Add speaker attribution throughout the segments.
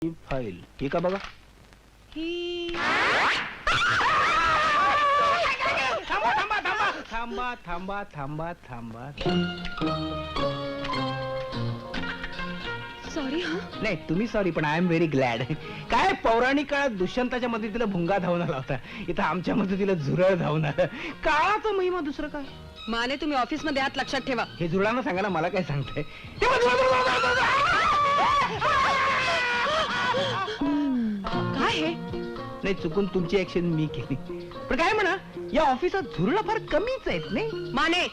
Speaker 1: File ही का बघा थांबा थांबा थांबा थांबा थांबा थांबा
Speaker 2: सॉरी हा.
Speaker 1: नाही तुम्ही सॉरी पण आय एम व्हेरी ग्लॅड. काय पौराणिक काळात दुष्यंताच्या मदतीला भुंगा धावून आला होता, इथं आमच्या मदतीला झुरळ धावून आलं. काळाचा महिमा दुसरं काय.
Speaker 2: माने तुम्ही ऑफिस मध्ये आहात लक्षात ठेवा.
Speaker 1: हे झुरळांना सांगा ना, मला काय सांगताय.
Speaker 2: काय हे
Speaker 1: नाही चुकून तुमची ऍक्शन मी केली, पण काय म्हणा या ऑफिसात झुरळ फार कमीच आहेत नाही.
Speaker 2: माने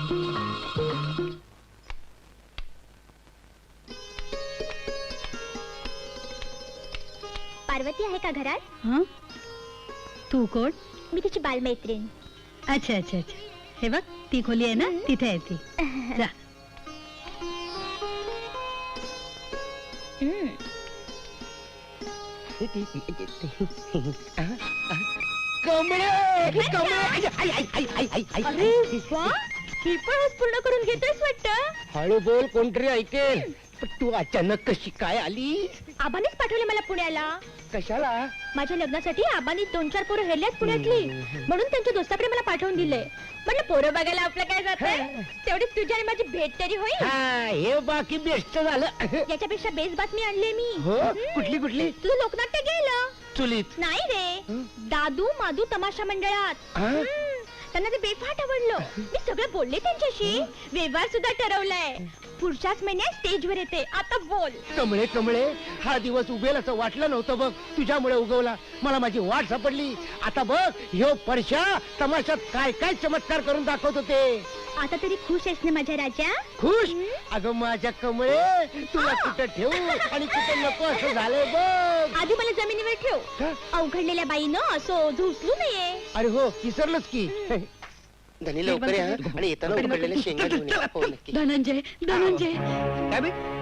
Speaker 3: पार्वती आहे का घरात?
Speaker 4: हं? तू कोण?
Speaker 3: मी तिची बालमैत्रीण.
Speaker 4: अच्छा अच्छा अच्छा. हे बघ ती खोली आहे ना, तिथे आहे ती. जा.
Speaker 3: हम्म. अरे वा, ही पण आज पूर्ण करून घेतोयस वाटतं.
Speaker 5: हळू बोल, कोणतरी ऐकेल. पण तू अचानक कशी काय आली?
Speaker 3: आबानेच पाठवले मला पुण्याला.
Speaker 5: कशाला?
Speaker 3: माझ्या लग्नासाठी आबानी 2-4 पोरं हेरल्यात पुण्यातली, म्हणून त्यांच्या दोस्ताकडे मला पाठवून दिले. म्हटलं पोरं बघायला आपलं काय जातंय, तेवढीच तुझी आणि माझी भेट तरी होईल.
Speaker 5: हा, हे बाकी बेस्ट झालं.
Speaker 3: याच्यापेक्षा बेस्ट बातमी आणली मी.
Speaker 5: हो, कुठली कुठली?
Speaker 3: तुझं लोकनाट्य गेलं.
Speaker 5: चुलीत?
Speaker 3: नाही रे, दादू मादू तमाशा मंडळात.
Speaker 5: हा?
Speaker 3: त्यांना ते बेफाट आवडलं. मी सगळं बोलले त्यांच्याशी, व्यवहार सुद्धा ठरवलाय. पुढच्याच महिन्यात स्टेजवर येते. आता बोल.
Speaker 5: कमळे कमळे, हा दिवस उगेल असं वाटलं नव्हतं बघ, तुझ्यामुळे उगवला. मला माझी वाट सापडली. आता बघ ह्यो परशा तमाशात काय काय चमत्कार करून दाखवत होते.
Speaker 3: आता तरी खुश आहेस ना माझ्या राजा?
Speaker 5: खुश? अगं माझ्या कमळे, तुला कुठं ठेवू आणि कुठं नको असं झालंय बघ.
Speaker 3: आधी मला जमिनीवर ठेव.
Speaker 5: का?
Speaker 3: अवघडलेल्या बाईनं असं झुसलू नये.
Speaker 5: अरे हो, विसरलोच की. धनी लवकर या आणि येताना उकडलेल्या शेंगा घेऊन या. हो नक्की.
Speaker 4: धनंजय धनंजय
Speaker 1: काय बे